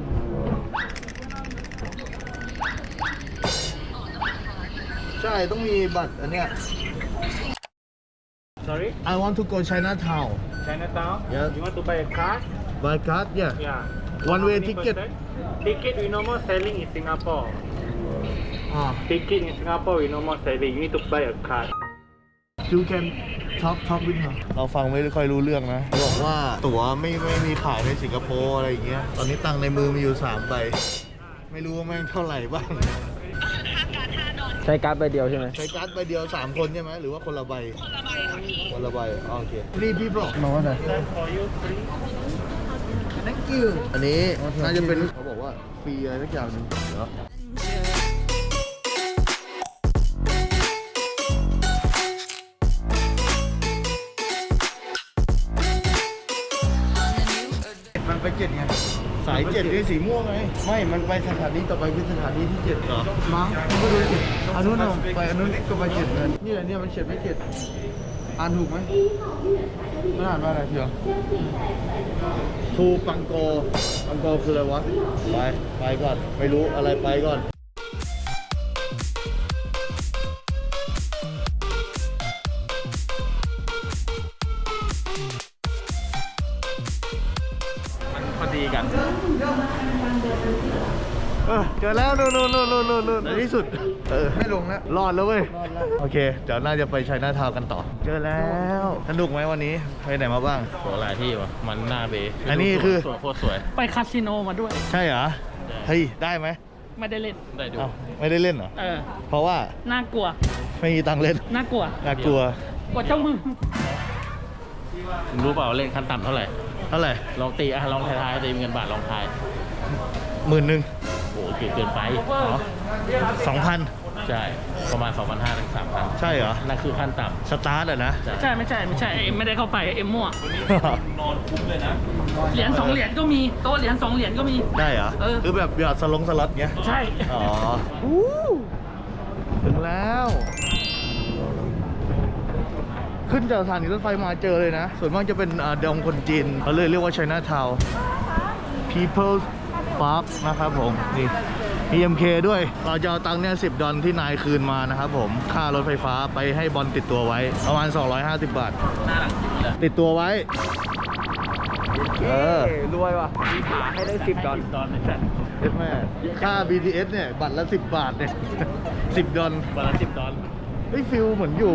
[SPEAKER 1] ใช่ต้องมีบัตรอันเนี้ย
[SPEAKER 2] sorry
[SPEAKER 1] I want to go Chinatown
[SPEAKER 2] Chinatown
[SPEAKER 1] Yeah.
[SPEAKER 2] you want to buy a card
[SPEAKER 1] by card yeah
[SPEAKER 2] yeah
[SPEAKER 1] One way ticket.
[SPEAKER 2] Ticket we no more selling in Singapore. Ticket in Singapore we no more selling. You need to buy a card.
[SPEAKER 1] You can talk with her เราฟังไม่ค่อยรู้เรื่องนะบอกว่าตั๋วไม่มีขายในสิงคโปร์อะไรอย่างเงี้ยตอนนี้ตังค์ในมือมีอยู่3 ใบไม่รู้ว่าแม่งเท่าไหร่บ้าง
[SPEAKER 2] ใช้การ์ดใบเดียวใช่ไหม
[SPEAKER 1] ใช้การ์ดใบเดียว3 คนใช่ไหมหรือว่าคนละใบคนละใบโอเครีบพี่บอก
[SPEAKER 3] มาว่าไหน
[SPEAKER 2] For you free.
[SPEAKER 3] thank you
[SPEAKER 1] อันนี้น่าจะเป็นเขาบอกว่าฟรีอะไรสักอย่างหนึงเหรอ
[SPEAKER 3] มันไป7ไง
[SPEAKER 1] สาย7นี่สีม่วงไงไม่มันไปสถานีต่อไปคือสถานีที่7เหรอ
[SPEAKER 3] มั้งไม่รู้สิอันนู้นเอาไปอันนู้นก็ไป7เลยนี่แหละเนี่ยมันเขียนไม่7อ่านถูกไหมมันอ่านว่าอะไรเพียว
[SPEAKER 1] ทูปังโกคืออะไรวะไปก่อนไม่รู้อะไรไปก่อน
[SPEAKER 2] พอดีกัน
[SPEAKER 1] เจอแล้วนู่นในที่สุด
[SPEAKER 3] ไม่ลงแล้ว
[SPEAKER 1] รอดแล้วเว้ย
[SPEAKER 3] รอดแล้ว
[SPEAKER 1] โอเคเดี๋ยวน่าจะไปชัยนาทาวน์กันต่อ เจอแล้วสนุกไหมวันนี้ไปไหนมาบ้าง
[SPEAKER 2] โหหลายที่ว่ะมันหน้าเบ
[SPEAKER 1] อันนี้คือ
[SPEAKER 2] สวยโคตรสวย ไปคาสิโนมาด้วย
[SPEAKER 1] ใช่เหรอเฮ้ยได้ไหม
[SPEAKER 2] ไม่ได้เล่นได้ดู
[SPEAKER 1] เอ้าไม่ได้เล่นเหรอ เพราะว่า
[SPEAKER 2] น่ากลัว
[SPEAKER 1] ไม่มีตังค์เล่น
[SPEAKER 2] น่ากลัว
[SPEAKER 1] น่ากลัว
[SPEAKER 2] กว่าเจ้ามือรู้เปล่าเล่นขั้นต่ำเท่าไหร่
[SPEAKER 1] เท่าไหร่
[SPEAKER 2] ลองตีลองทายตีเงินบาทลองทาย
[SPEAKER 1] 10,000
[SPEAKER 2] โหเกินไป
[SPEAKER 1] อ๋อ2,000
[SPEAKER 2] ใช่ ประมาณ 2,500 ถึง 3,000
[SPEAKER 1] ใช่เหรอ
[SPEAKER 2] นั่นคือขั้นต่
[SPEAKER 1] สตาร์ทอะนะ
[SPEAKER 2] ำใช่ไม่ใช่ไม่ได้เข้าไปเอ็มมั่ว เหรียญ2 เหรียญก็มีโต๊ะเหรียญ2 เหรียญก็มี
[SPEAKER 1] ได้เหรอ คือแบบหยอดสล็อตเงี้ย
[SPEAKER 2] ใช่
[SPEAKER 1] อ๋อถึงแล้ว ขึ้นจากสถานีรถไฟมาเจอเลยนะ ส่วนมากจะเป็นดงคนจีนเขาเลยเรียกว่า Chinatown People's Park นะครับผม นี่ EMK ด้วย เราจะเอาตังค์เนี่ย$10ที่นายคืนมานะครับผม ค่ารถไฟฟ้าไปให้บอลติดตัวไว้ ประมาณ250 บาท
[SPEAKER 2] หน้าหลังเลย
[SPEAKER 1] ติดตัวไว้
[SPEAKER 3] รวยว่ะ
[SPEAKER 7] มีขาให้ได้10 ดอล
[SPEAKER 1] เอฟแม่ค่า BTS เนี่ยบัตรละ10 บาทเนี่ย10 ดอล
[SPEAKER 2] วันละ10 ดอล
[SPEAKER 1] เฮ้ยฟิลเหมือนอยู่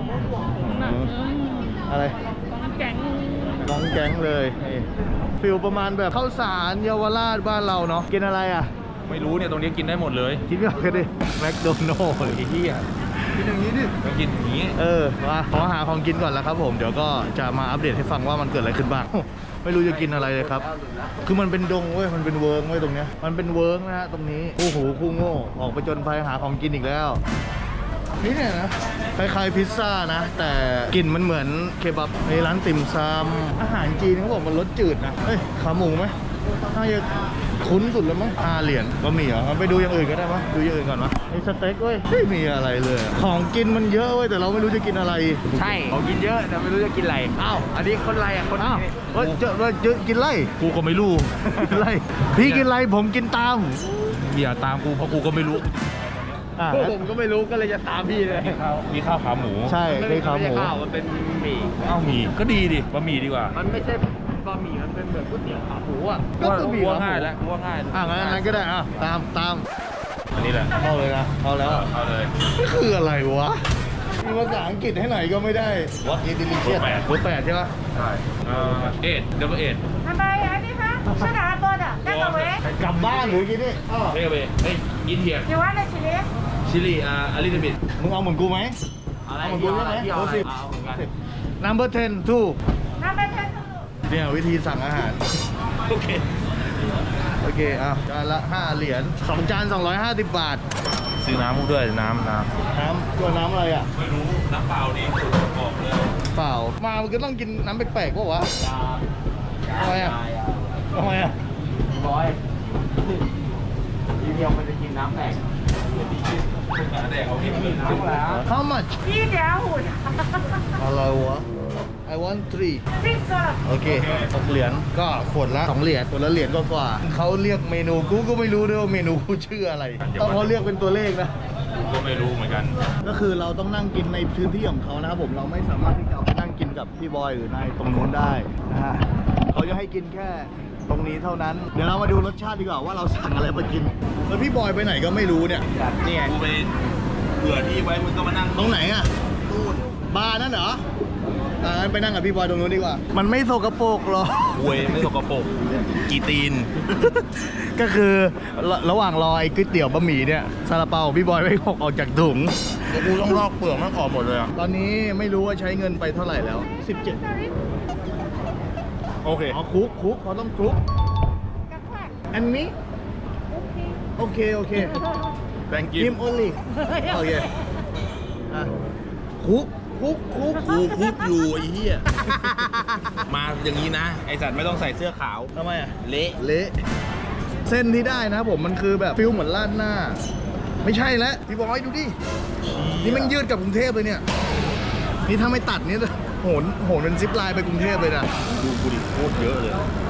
[SPEAKER 1] อะไรน้องแก๊งเลยนี่ฟิลประมาณแบบข้าวสารเยาวราชบ้านเราเนาะกินอะไรอ่ะ
[SPEAKER 8] ไม่รู้เนี่ยตรงนี้กินได้หมดเลย
[SPEAKER 1] คิดไม่ออกกันดิแมคโดนัลล์
[SPEAKER 8] ไอ้เหี้ย
[SPEAKER 1] กินอย่างนี้ดิ
[SPEAKER 8] ต้องกินอย่างนี้
[SPEAKER 1] มาขอหาของกินก่อนแล้วครับผมเดี๋ยวก็จะมาอัปเดตให้ฟังว่ามันเกิดอะไรขึ้นบ้าง ไม่รู้จะกินอะไรเลยครับ คือมันเป็นดงเว้ยมันเป็นเวิร์กเว้ยตรงเนี้ยมันเป็นเวิร์กนะฮะตรงนี้คู่หูคู่โง่ออกไปจนภัยหาของกินอีกแล้วนี่เนี่ยนะคล้ายๆพิซซ่านะ แต่กลิ่นมันเหมือนเคบับในร้านติ่มซำอาหารจีนเขาบอกมันรสจืดนะเอ้ยขาหมูไหมน่าจะคุ้นสุดแล้วมั้งเหรียญก็มีเหรองั้นไปดูอย่างอื่นก็ได้ปะดูอย่างอื่นก่อนปะมีสเต็กเว้ยไม่มีอะไรเลย ของกินมันเยอะเว้ยแต่เราไม่รู้จะกินอะไร
[SPEAKER 7] ใช่เขากินเยอะแต่ไม่รู้จะกินอะไร อ้าว อันนี้คนไรอ่ะ คน
[SPEAKER 1] อ้าว
[SPEAKER 7] นี้
[SPEAKER 1] เฮ้ยเจอกินไร
[SPEAKER 8] กูก็ไม่รู้
[SPEAKER 1] กินไรพี่กินไรผมกินตาม
[SPEAKER 8] อย่าตามกูเพราะกูก็ไม่รู้
[SPEAKER 1] อ่ะ
[SPEAKER 7] พวกผมก็ไม่รู้ก็เลยจะตามพี่เลย
[SPEAKER 8] มีข้าวขาหมู
[SPEAKER 1] ใช่
[SPEAKER 7] มัน
[SPEAKER 1] ได้ขาหมู
[SPEAKER 7] ไใช่ข้าวมันเป็นหมี่
[SPEAKER 8] ข้าวหมี่ก็ดีดิบะหมี่ดีกว่า
[SPEAKER 7] มันไม่ใช่บะหมี่มันเป็นแบบก๋วยเตี๋ยวขาหมูอ่ะ
[SPEAKER 1] ก็คือมี
[SPEAKER 8] กู
[SPEAKER 1] ขา
[SPEAKER 8] ว่า
[SPEAKER 1] หมู
[SPEAKER 8] ง่ายแล้วกูว่าง่าย
[SPEAKER 1] งั้นก็ได้ตาม
[SPEAKER 8] อันนี้แหละ
[SPEAKER 1] เข้าเลยนะเข้าแล้ว
[SPEAKER 8] เอาเลย
[SPEAKER 1] นี่คืออะไรวะมีภาษาอังกฤษให้หน่อยก็ไม่ได้วะอินดิลิเชีย
[SPEAKER 8] เบอร์แปด
[SPEAKER 1] เบอร์ 8ใช่ปะ
[SPEAKER 8] ใช่ดับเบิลเอ็ด
[SPEAKER 4] ทำไมอันนี้คะ是哪多的那个喂
[SPEAKER 1] กลับบ้านหรือกินนี่
[SPEAKER 8] เฮ้ยเบเฮ้ยอินเทีย
[SPEAKER 4] 你玩的起来
[SPEAKER 8] ชิลีอลิซาเบธ
[SPEAKER 1] มึงเอาเหมือนกูไหม
[SPEAKER 7] อะไร
[SPEAKER 1] เอาเหมือนกูใช่ไหม
[SPEAKER 7] ที่เอาอะไร
[SPEAKER 1] 10
[SPEAKER 7] เอาเหมือนกัน
[SPEAKER 1] number 10 two
[SPEAKER 4] 那边看
[SPEAKER 1] เนี่ยวิธีสั่งอาหาร
[SPEAKER 8] โอเค
[SPEAKER 1] โอเคจานละ5 เหรียญ2 จาน 250 บาท
[SPEAKER 8] ซื้อน้ำด้วยน้ำ
[SPEAKER 1] น้ำตัวน้ำอะไรอ่ะ
[SPEAKER 8] ไม่รู้น้ำเปล่านี่สุดบอกเลย
[SPEAKER 1] เปล่า มามันก็ต้องกินน้ำแปลกๆป่ะวะทำไมอ่ะทำไมอ่ะ
[SPEAKER 7] บอยทีเดียวมันจะกินน้ำแตก
[SPEAKER 8] แดกเอาที่มัน
[SPEAKER 7] น้ำแล้ว
[SPEAKER 1] How much
[SPEAKER 4] 1.5
[SPEAKER 1] อะไรวะ I want 3
[SPEAKER 4] 6了
[SPEAKER 1] โอเค6 เหรียญก็ขวดละ2 เหรียญขวดละเหรียญกว่าๆเขาเรียกเมนูกูก็ไม่รู้ด้วยว่าเมนูกูชื่ออะไรต้องเขาเรียกเป็นตัวเลขนะ
[SPEAKER 8] กูก็ไม่รู้เหมือนกัน
[SPEAKER 1] ก็คือเราต้องนั่งกินในพื้นที่ของเขานะครับผมเราไม่สามารถที่จะไปนั่งกินกับพี่บอยหรือนายตรงนู้นได้นะฮะเขาจะให้กินแค่ตรงนี้เท่านั้น เดี๋ยวเรามาดูรสชาติดีกว่าว่าเราสั่งอะไรมากินแล้วพี่บอยไปไหนก็ไม่รู้เนี่ย
[SPEAKER 7] นี่ไง
[SPEAKER 8] กูไปเผื่อที่ไว้มึงก็มานั่ง
[SPEAKER 1] ตรงไหนอ่ะนู่นบาร์นั่นเหรองั้นไปนั่งกับพี่บอยตรงนู้นดีกว่า มันไม่โสกปรกหรอก
[SPEAKER 8] เวยไม่สกปรกกีตีน
[SPEAKER 1] ก็คือระหว่างรอไอ้ก๋วยเตี๋ยวบะหมี่เนี่ยซาลาเปาพี่บอยไม่หกออกจากถุง
[SPEAKER 8] กูต้องลอกเปลือกมันออกหมดเลยอ่ะ
[SPEAKER 1] ตอนนี้ไม่รู้ว่าใช้เงินไปเท่าไหร่แล้ว 17
[SPEAKER 8] โอเค
[SPEAKER 1] อ๋อคุกเขาต้องคุกอันนี้โอเค
[SPEAKER 8] thank
[SPEAKER 1] กิ
[SPEAKER 8] you
[SPEAKER 1] ม only โอเคอ่ะคุก
[SPEAKER 8] กูคุกอยู่ไอ้เหี้ย มาอย่างนี้นะ ไอสัตว์ไม่ต้องใส่เสื้อขาว
[SPEAKER 1] ทำไมอ่ะ
[SPEAKER 8] เละ
[SPEAKER 1] เละเส้นที่ได้นะผมมันคือแบบฟิลเหมือนราดหน้า ไม่ใช่แล้วพี่บอยดูดิ นี่มันยืดกับกรุงเทพเลยเนี่ย นี่ถ้าไม่ตัดนี่โหนเป็นซิปไลน์ไปกรุงเทพเลยนะ
[SPEAKER 8] ดูกูดิโคตรเยอะเลย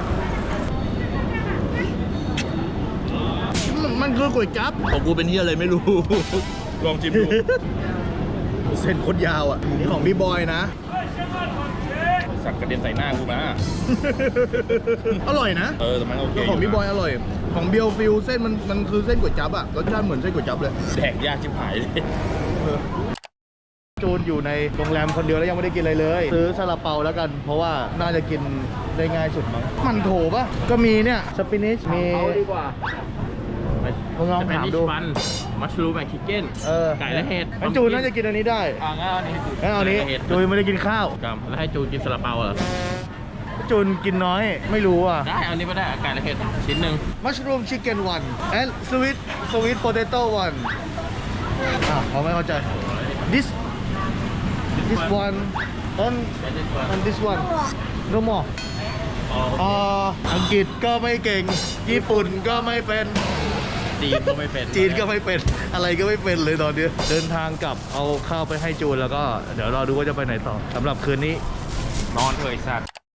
[SPEAKER 1] มันคือก๋วยจั๊บ
[SPEAKER 8] ของกูเป็นเหี้ยอะไรไม่รู้ ลองชิมดู
[SPEAKER 1] เส้นโคตรยาวอ่ะ นี่ของพี่บอยนะ
[SPEAKER 8] สักกระเด็นใส่หน้ากูมา
[SPEAKER 1] อร่อยนะ
[SPEAKER 8] แต่มันโอเค
[SPEAKER 1] แล้วของพี่บอยอร่อย ของเบียวฟิลเส้นมันคือเส้นก๋วยจั๊บอ่ะ รสชาติเหมือนเส้นก๋วยจั๊บเลย
[SPEAKER 8] แดกยากชิบหายเลย
[SPEAKER 1] จูนอยู่ในโรงแรมคนเดียวแล้วยังไม่ได้กินอะไรเลย ซื้อซาลาเปาแล้วกัน เพราะว่าน่าจะกินได้ง่ายสุดมั้งมันโถปะก็มีเนี่ยสปินิชมี
[SPEAKER 7] เอาดีกว่า
[SPEAKER 1] ลองถามดู
[SPEAKER 7] มัชรูมแอนด์ชิคเก้น ไก่และเห็ด
[SPEAKER 1] งั้นจูนน่าจะกินอันนี้ได้
[SPEAKER 7] งั้นเอาอันนี้ให้จู
[SPEAKER 1] งั้นเอาอันนี้
[SPEAKER 7] ไก่และเห็ด
[SPEAKER 1] จูนไม่ได้กินข้าว
[SPEAKER 7] ครับแล้วให้จูกินซาลาเปาเหรอ
[SPEAKER 1] จูนกินน้อยไม่รู้อ่ะ
[SPEAKER 7] ได้เอาอันนี้ไม่ได้เอาไก่และเห็ดชิ้นหนึ่ง
[SPEAKER 1] mushroom chicken one and sweet potato one เขาไม่เข้าใจ this one and this one no more อังกฤษก็ไม่เก่ง ญี่ปุ่นก็ไม่เป็น
[SPEAKER 7] จีนก็ไม่เป็น
[SPEAKER 1] จีนก็ไม่เป็น อะไรก็ไม่เป็นเลยตอนนี้ เดินทางกลับเอาข้าวไปให้จูนแล้วก็เดี๋ยวรอดูว่าจะไปไหนต่อสำหรับคืนนี้
[SPEAKER 7] นอนเถอะไอ้สัตว์